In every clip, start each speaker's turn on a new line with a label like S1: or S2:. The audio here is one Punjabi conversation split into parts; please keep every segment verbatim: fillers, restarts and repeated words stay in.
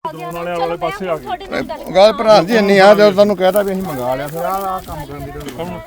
S1: ਡਰੋਨ ਵਾਲੇ ਵਾਲੇ ਪਾਸੇ ਆ ਗਏ
S2: ਗੱਲ ਪ੍ਰਧਾਨ ਜੀ ਇੰਨੀ ਆ ਜਦੋਂ ਤੁਹਾਨੂੰ ਕਹਿਤਾ ਵੀ ਅਸੀਂ ਮੰਗਾ ਲਿਆ ਫਿਰ ਆਹ ਕੰਮ ਕਰਨ ਦੀ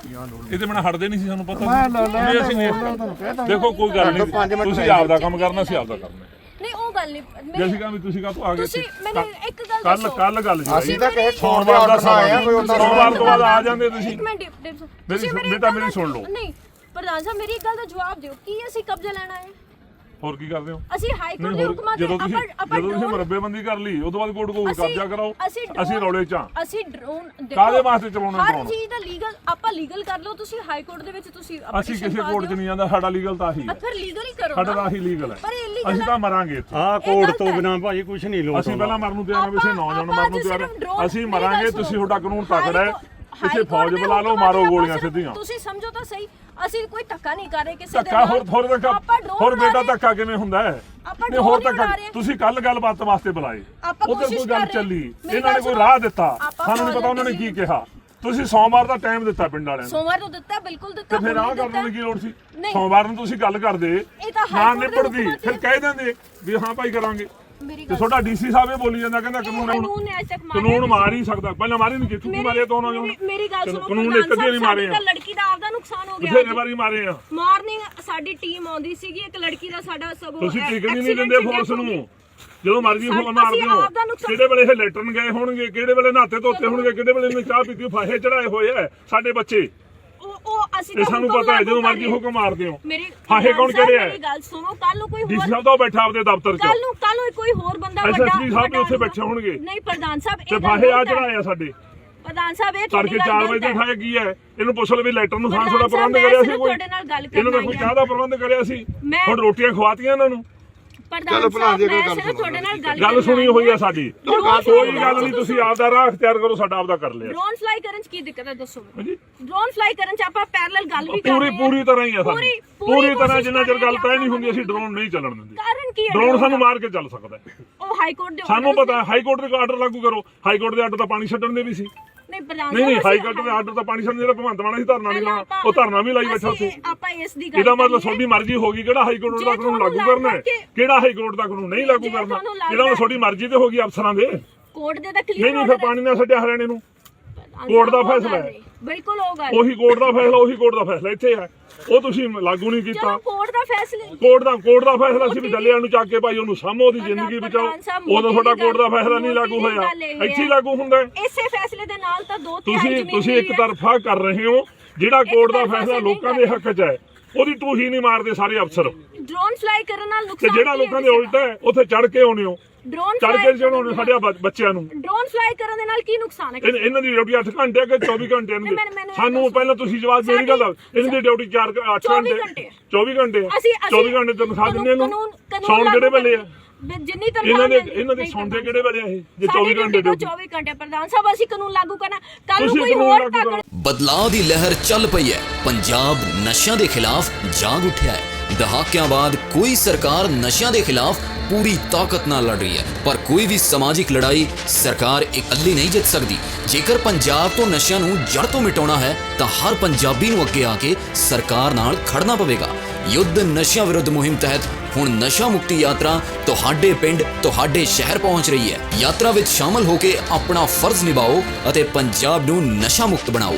S1: ਇਹ ਤੇ ਬਿਨਾਂ ਹਟਦੇ ਨਹੀਂ ਸੀ ਸਾਨੂੰ ਪਤਾ ਨਹੀਂ ਅਸੀਂ ਨਹੀਂ ਦੇਖੋ ਕੋਈ ਗੱਲ ਨਹੀਂ ਤੁਸੀਂ ਆਪਦਾ ਕੰਮ ਕਰਨਾ ਸੀ ਆਪਦਾ ਕਰਨਾ
S3: ਨਹੀਂ ਉਹ ਗੱਲ ਨਹੀਂ
S1: ਜੇ ਅਸੀਂ ਕਹਾਂ ਵੀ ਤੁਸੀਂ ਕਾਹਤੋਂ ਆ ਗਏ
S3: ਤੁਸੀਂ ਮੈਨੂੰ ਇੱਕ ਗੱਲ
S1: ਕੱਲ
S3: ਦੱਸੋ
S1: ਕੱਲ ਗੱਲ ਜੀ
S2: ਅਸੀਂ ਤਾਂ ਕਹੇ
S1: ਸੋਮਵਾਰ ਦਾ ਸਮਾਂ ਆਇਆ ਕੋਈ ਸੋਮਵਾਰ ਤੋਂ ਬਾਅਦ ਆ ਜਾਂਦੇ ਤੁਸੀਂ
S3: ਇੱਕ ਮਿੰਟ
S1: ਮੇਰੀ ਬੇਟਾ ਮੇਰੀ ਸੁਣ ਲਓ
S3: ਨਹੀਂ ਪ੍ਰਧਾਨ ਸਾਹਿਬ ਮੇਰੀ ਇੱਕ ਗੱਲ ਦਾ ਜਵਾਬ ਦਿਓ ਕੀ ਅਸੀਂ ਕਬਜ਼ਾ ਲੈਣਾ ਹੈ
S1: ਹੋਰ ਕੀ ਕਰਦੇ ਹੋ
S3: ਅਸੀਂ ਹਾਈ ਕੋਰਟ ਦੇ ਹੁਕਮਾਂ ਦੇ
S1: ਜਦੋਂ ਤੁਸੀਂ ਜਦੋਂ ਤੁਸੀਂ ਮਰਬੇਬੰਦੀ ਕਰ ਲਈ ਉਸ ਤੋਂ ਬਾਅਦ ਕੋਰਟ ਕੋਲ ਕਬਜ਼ਾ ਕਰਾਓ ਅਸੀਂ ਰੌਲੇ ਚ
S3: ਅਸੀਂ ਡਰੋਨ
S1: ਕਾਹਦੇ ਵਾਸਤੇ ਚਲਾਉਣਾ
S3: ਹਰ ਚੀਜ਼ ਦਾ ਲੀਗਲ ਆਪਾਂ ਲੀਗਲ ਕਰ ਲਓ ਤੁਸੀਂ ਹਾਈ ਕੋਰਟ ਦੇ ਵਿੱਚ ਤੁਸੀਂ
S1: ਅਸੀਂ ਕਿਸੇ ਕੋਰਟ 'ਚ ਨਹੀਂ ਜਾਂਦਾ ਸਾਡਾ ਲੀਗਲ ਤਾਂ ਆਹੀ ਹੈ
S3: ਫਿਰ ਲੀਗਲ ਹੀ ਕਰੋ
S1: ਸਾਡਾ ਤਾਂ ਆਹੀ ਲੀਗਲ ਹੈ ਅਸੀਂ ਤਾਂ ਮਰਾਂਗੇ ਇੱਥੇ
S4: ਆਹ ਕੋਰਟ ਤੋਂ ਬਿਨਾਂ ਭਾਜੀ ਕੁਝ ਨਹੀਂ ਲੋਟ
S1: ਅਸੀਂ ਪਹਿਲਾਂ ਮਰਨ ਨੂੰ ਤਿਆਰ ਹਾਂ ਵੈਸੇ ਨੌਜਵਾਨ ਮਰਨ ਨੂੰ ਤਿਆਰ ਹਾਂ ਅਸੀਂ ਮਰਾਂਗੇ ਤੁਸੀਂ ਤੁਹਾਡਾ ਕਾਨੂੰਨ ਤਕੜਾ ਹੈ ਇੱਥੇ ਫੌਜ ਬੁਲਾ ਲਓ ਮਾਰੋ ਗੋਲੀਆਂ ਸਿੱਧੀਆਂ
S3: ਤੁਸੀਂ ਸਮਝੋ ਤਾਂ ਸਹੀ ਅਸੀਂ ਕੋਈ ਧੱਕਾ ਨਹੀਂ ਕਰ ਰਹੇ ਕਿਸੇ ਦੇ
S1: ਧੱਕਾ ਹੋਰ ਹੋਰ ਧੱਕਾ ਹੋਰ ਬੇਟਾ ਧੱਕਾ ਕਿਵੇਂ ਹੁੰਦਾ ਹੈ ਨਹੀਂ ਹੋਰ ਧੱਕਾ ਤੁਸੀਂ ਕੱਲ ਗੱਲਬਾਤ ਵਾਸਤੇ ਬੁਲਾਏ ਉਧਰ ਕੋਈ ਗੱਲ ਚੱਲੀ ਇਹਨਾਂ ਨੇ ਕੋਈ ਰਾਹ ਦਿੱਤਾ ਸਾਨੂੰ ਨਹੀਂ ਪਤਾ ਉਹਨਾਂ ਨੇ ਕੀ ਕਿਹਾ ਤੁਸੀਂ ਸੋਮਵਾਰ ਦਾ ਟਾਈਮ ਦਿੱਤਾ ਪਿੰਡ ਵਾਲਿਆਂ ਨੂੰ
S3: ਸੋਮਵਾਰ ਨੂੰ ਦਿੱਤਾ ਬਿਲਕੁਲ ਦਿੱਤਾ
S1: ਤੇ ਫਿਰ ਆਹ ਕਰਨ ਦੀ ਕੀ ਲੋੜ ਸੀ ਸੋਮਵਾਰ ਨੂੰ ਤੁਸੀਂ ਗੱਲ ਕਰਦੇ ਨਾ ਨਿਪੜਦੀ ਫਿਰ ਕਹਿ ਦਿੰਦੇ ਵੀ ਹਾਂ ਭਾਈ ਕਰਾਂਗੇ ਤੇ ਤੁਹਾਡਾ ਡੀਸੀ ਸਾਹਿਬ ਇਹ ਬੋਲੀ ਜਾਂਦਾ ਕਹਿੰਦਾ ਕਾਨੂੰਨ ਕਾਨੂੰਨ ਮਾਰ ਹੀ ਸਕਦਾ ਪਹਿਲਾਂ ਮਾਰੇ ਨਹੀਂ ਕਿੱਥੋਂ ਮਾਰੇ ਤੋਂ ਉਹਨਾਂ ਨੇ
S3: ਮੇਰੀ ਗੱਲ ਸੁਣੋ
S1: ਕਾਨੂੰਨ ਇੱਕ ਅੱਧੇ ਨਹੀਂ ਮਾਰੇ ਆ
S3: ਲੜਕੀ ਦਾ ਆਪਦਾ ਨੁਕਸਾਨ ਹੋ ਗਿਆ
S1: ਬਥੇਰੇ ਵਾਰੀ ਮਾਰੇ ਆ
S3: ਮਾਰਨਿੰਗ ਸਾਡੀ ਟੀਮ ਆਉਂਦੀ ਸੀਗੀ ਇੱਕ ਲੜਕੀ ਦਾ ਸਾਡਾ ਸਭ
S1: ਤੁਸੀਂ ਟਿਕਣੀ ਨਹੀਂ ਦਿੰਦੇ ਫੋਰਸ ਨੂੰ ਜਦੋਂ ਮਰਜ਼ੀ ਫੋਨ ਮਾਰਦੇ ਹੋ ਕਿਹੜੇ ਵੇਲੇ ਇਹ ਲੈਟਰਨ ਗਏ ਹੋਣਗੇ ਕਿਹੜੇ ਵੇਲੇ ਨਹਾਤੇ ਧੋਤੇ ਹੋਣਗੇ ਕਿਹੜੇ ਵੇਲੇ ਇਹਨੇ ਚਾਹ ਪੀਤੀ ਫਾਹੇ ਚੜਾਏ ਹੋਏ ਆ ਸਾਡੇ ਬੱਚੇ
S3: ਉਹ ਅਸੀਂ
S1: ਇਹ ਸਾਨੂੰ ਪਤਾ ਹੈ ਜਦੋਂ ਮਰਜ਼ੀ ਹੁਕਮ ਮਾਰਦੇ ਹੋ
S3: ਮੇਰੀ
S1: ਫਾਹੇ ਕੌਣ ਕਿਹੜੇ ਆ
S3: ਮੇਰੀ ਗੱਲ ਸੁਣੋ ਕੱਲ ਨੂੰ ਕੋਈ
S1: ਡੀਸੀ
S3: ਹੋਰ
S1: ਸਾਹਿਬ ਤਾਂ ਬੈਠਾ ਆਪਦੇ ਦਫ਼ਤਰ 'ਚ
S3: ਕੱਲ ਨੂੰ ਕੱਲ ਨੂੰ ਕੋਈ ਹੋਰ ਬੰਦਾ ਵੱਡਾ
S1: ਐਸਐਸਪੀ ਸਾਹਿਬ ਵੀ ਉੱਥੇ ਬੈਠੇ ਹੋਣਗੇ
S3: ਨਹੀਂ ਪ੍ਰਧਾਨ ਸਾਹਿਬ
S1: ਤੇ ਫਾਹੇ ਆ ਚੜਾਏ ਆ ਸਾਡੇ
S3: ਪ੍ਰਧਾਨ ਸਾਹਿਬ ਇਹ
S1: ਤੜਕੇ ਚਾਰ ਵਜੇ ਦੇ ਠਾਏ ਕੀ ਹੈ ਇਹਨੂੰ ਪੁੱਛ ਲਓ ਵੀ ਲੈਟਰ ਨੂੰ ਖਾਣ ਦਾ ਪ੍ਰਬੰਧ ਕਰਿਆ ਸੀ ਕੋਈ ਇਹਨਾਂ ਨੇ ਕੋਈ ਚਾਹ ਦਾ ਪ੍ਰਬੰਧ ਕਰਿਆ ਸੀ ਹੁਣ ਰੋਟੀਆਂ ਖਵਾਤੀਆਂ ਇਹਨਾਂ ਨੂੰ
S3: ਚਲੋ ਭਲਾ ਜੀ ਕੋਈ ਗੱਲ ਤੁਹਾਡੇ ਨਾਲ ਗੱਲ
S1: ਗੱਲ ਸੁਣੀ ਹੋਈ ਆ ਸਾਡੀ ਕੋਈ ਗੱਲ ਨਹੀਂ ਤੁਸੀਂ ਆਪਦਾ ਰਾਹ ਅਖਤਿਆਰ ਕਰੋ ਸਾਡਾ ਆਪਦਾ ਕਰ ਲਿਆ
S3: ਡਰੋਨ ਫਲਾਈ ਕਰਨ ਚ ਕੀ ਦਿੱਕਤ ਹੈ ਦੱਸੋ ਮੈਨੂੰ ਡਰੋਨ ਫਲਾਈ ਕਰਨ ਚ ਆਪਾਂ ਪੈਰਲਲ ਗੱਲ ਵੀ ਕਰ
S1: ਪੂਰੀ ਪੂਰੀ ਤਰ੍ਹਾਂ ਹੀ ਆ ਸਾਡੀ ਪੂਰੀ ਤਰ੍ਹਾਂ ਜਿੰਨਾ ਚਿਰ ਗੱਲ ਤੈਅ ਨਹੀਂ ਹੁੰਦੀ ਅਸੀਂ ਡਰੋਨ ਨਹੀਂ ਚੱਲਣ ਦਿੰਦੇ
S3: ਕਾਰਨ ਕੀ ਹੈ
S1: ਡਰੋਨ ਸਾਨੂੰ ਮਾਰ ਕੇ ਚੱਲ ਸਕਦਾ
S3: ਉਹ ਹਾਈ ਕੋਰਟ ਦੇ
S1: ਸਾਨੂੰ ਪਤਾ ਹਾਈ ਕੋਰਟ ਦੇ ਆਰਡਰ ਲਾਗੂ ਕਰੋ ਹਾਈ ਕੋਰਟ ਦੇ ਆਰਡਰ ਤਾਂ ਪਾਣੀ ਛੱਡਣ ਦੇ ਵੀ ਸੀ
S3: ਨਹੀਂ ਪ੍ਰਧਾਨ
S1: ਨਹੀਂ ਨਹੀਂ ਹਾਈ ਕੋਰਟ ਦੇ ਆਰਡਰ ਤਾਂ ਪਾਣੀ ਛੱਡਣ ਜਿਹੜਾ ਭਗਵੰਤ ਮਾਨ ਸੀ ਧਰਨਾ ਨਹੀਂ ਲਾਉਣਾ ਉਹ ਧਰਨਾ ਵੀ ਲਾਈ ਬੈਠਾ ਸੀ
S3: ਆਪਾਂ ਇਸ ਦੀ ਗੱਲ
S1: ਇਹਦਾ ਮਤਲਬ ਤੁਹਾਡੀ ਮਰਜ਼ੀ ਹੋਗੀ ਕਿਹੜਾ ਹਾਈ ਕੋਰਟ ਦਾ ਕਾਨੂੰਨ ਲਾਗੂ ਕਰਨਾ ਹੈ ਕਿਹੜਾ ਹਾਈ ਕੋਰਟ ਦਾ ਕਾਨੂੰਨ ਨਹੀਂ ਲਾਗੂ ਕਰਨਾ ਇਹਦਾ ਤੁਹਾਡੀ ਮਰਜ਼ੀ ਤੇ ਹੋਗੀ ਅਫਸਰਾਂ ਦੇ
S3: ਕੋਰਟ ਦੇ ਤਾਂ ਕਲੀਅਰ
S1: ਨਹੀਂ ਨਹੀਂ ਫਿਰ ਪਾਣੀ ਨਾਲ ਛੱਡਿਆ ਹਰਿਆਣੇ ਨੂੰ ਕੋਰਟ ਦਾ ਫੈਸਲਾ ਹੈ
S3: ਬਿਲਕੁਲ ਉਹ ਗੱਲ
S1: ਉਹੀ ਕੋਰਟ ਦਾ ਫੈਸਲਾ ਉਹੀ ਕੋਰਟ ਦਾ ਫੈਸਲਾ ਇੱਥੇ ਹੈ ਉਹ ਤੁਸੀਂ ਲਾਗੂ ਨਹੀਂ ਕੀਤਾ
S3: ਚਲੋ ਕੋਰਟ ਦਾ ਫੈਸਲਾ
S1: ਕੋਰਟ ਦਾ ਕੋਰਟ ਦਾ ਫੈਸਲਾ ਸੀ ਵੀ ਡੱਲਿਆਂ ਨੂੰ ਚੱਕ ਕੇ ਭਾਈ ਉਹਨੂੰ ਸਾਹਮੋ ਉਹਦੀ ਜ਼ਿੰਦਗੀ ਬਚਾਓ ਉਦੋਂ ਤੁਹਾਡਾ ਕੋਰਟ ਦਾ ਫੈਸਲਾ ਨਹੀਂ ਲਾਗੂ ਹੋਇਆ ਇੱਥੇ ਹੀ ਲਾਗੂ ਹੁੰਦਾ
S3: ਇਸੇ ਫੈਸਲੇ ਦੇ ਨਾਲ ਤਾਂ ਦੋ
S1: ਤੁਸੀਂ ਤੁਸੀਂ ਇੱਕ ਤਰਫਾ ਕਰ ਰਹੇ ਹੋ ਜਿਹੜਾ ਕੋਰਟ ਦਾ ਫੈਸਲਾ ਲੋਕਾਂ ਦੇ ਹੱਕ 'ਚ ਹੈ ਉਹਦੀ ਟੂਹੀ ਨਹੀਂ ਮਾਰਦੇ ਸਾਰੇ ਅਫਸਰ
S3: ਡਰੋਨ ਫਲਾਈ ਕਰਨ ਨਾਲ
S1: ਤੇ
S3: ਨੁਕਸਾਨ
S1: ਜਿਹੜਾ ਲੋਕਾਂ ਦੇ ਉਲਟਾ ਹੈ ਉੱਥੇ ਚੜ ਕੇ ਆਉਣੇ ਹੋ
S3: ਡਰੋਨ
S1: ਚੜ ਕੇ ਚੜਾਉਣੇ ਸਾਡੇ ਬੱਚਿਆਂ ਨੂੰ
S3: ਡਰੋਨ ਫਲਾਈ ਕਰਨ ਦੇ ਨਾਲ ਕੀ ਨੁਕਸਾਨ ਹੈ
S1: ਇਹਨਾਂ ਦੀ ਡਿਊਟੀ ਅੱਠ ਘੰਟੇ ਕਿ ਚੌਵੀ ਘੰਟੇ ਦੀ ਸਾਨੂੰ ਪਹਿਲਾਂ ਤੁਸੀਂ ਜਵਾਬ ਮੇਰੀ ਗੱਲ ਇਹਨਾਂ ਦੀ ਡਿਊਟੀ ਚਾਰ ਅੱਠ ਘੰਟੇ ਚੌਵੀ ਘੰਟੇ ਚੌਵੀ ਘੰਟੇ ਤਨਖਾਹ ਦਿੰਦੇ ਇਹਨੂੰ ਸੌਣ ਕਿਹੜੇ ਵੇਲੇ ਆ
S3: ਜਿੰਨੀ ਤਨਖਾਹ
S1: ਇਹਨਾਂ ਦੇ ਇਹਨਾਂ ਦੇ ਸੌਂਦੇ ਕਿਹੜੇ ਵੇਲੇ ਆ ਇਹ ਜੇ ਚੌਵੀ ਘੰਟੇ ਡਿਊਟੀ
S3: ਚੌਵੀ ਘੰਟੇ ਪ੍ਰਧਾਨ ਸਾਹਿਬ ਅਸੀਂ ਕਾਨੂੰਨ ਲਾਗੂ ਕਰਨਾ ਕੱਲ ਨੂੰ ਕੋਈ ਹੋਰ
S5: ਬਦਲਾਅ ਦੀ ਲਹਿਰ ਚੱਲ ਪਈ ਹੈ ਪੰਜਾਬ ਨਸ਼ਿਆਂ ਦੇ ਖਿਲਾਫ ਜਾਗ ਉੱਠਿਆ ਹੈ ਦਹਾਕਿਆਂ ਬਾਅਦ ਕੋਈ ਸਰਕਾਰ ਨਸ਼ਿਆਂ ਦੇ ਖਿਲਾਫ ਪੂਰੀ ਤਾਕਤ ਨਾਲ ਲੜ ਰਹੀ ਹੈ ਪਰ ਕੋਈ ਵੀ ਸਮਾਜਿਕ ਲੜਾਈ ਸਰਕਾਰ ਇਕੱਲੀ ਨਹੀਂ ਜਿੱਤ ਸਕਦੀ ਜੇਕਰ ਪੰਜਾਬ ਤੋਂ ਨਸ਼ਿਆਂ ਨੂੰ ਜੜ ਤੋਂ ਮਿਟਾਉਣਾ ਹੈ ਤਾਂ ਹਰ ਪੰਜਾਬੀ ਨੂੰ ਅੱਗੇ ਆ ਕੇ ਸਰਕਾਰ ਨਾਲ ਖੜਨਾ ਪਵੇਗਾ ਯੁੱਧ ਨਸ਼ਿਆਂ ਵਿਰੁੱਧ ਮੁਹਿੰਮ ਤਹਿਤ ਹੁਣ ਨਸ਼ਾ ਮੁਕਤੀ ਯਾਤਰਾ ਤੁਹਾਡੇ ਪਿੰਡ ਤੁਹਾਡੇ ਸ਼ਹਿਰ ਪਹੁੰਚ ਰਹੀ ਹੈ ਯਾਤਰਾ ਵਿੱਚ ਸ਼ਾਮਲ ਹੋ ਕੇ ਆਪਣਾ ਫਰਜ਼ ਨਿਭਾਓ ਅਤੇ ਪੰਜਾਬ ਨੂੰ ਨਸ਼ਾ ਮੁਕਤ ਬਣਾਓ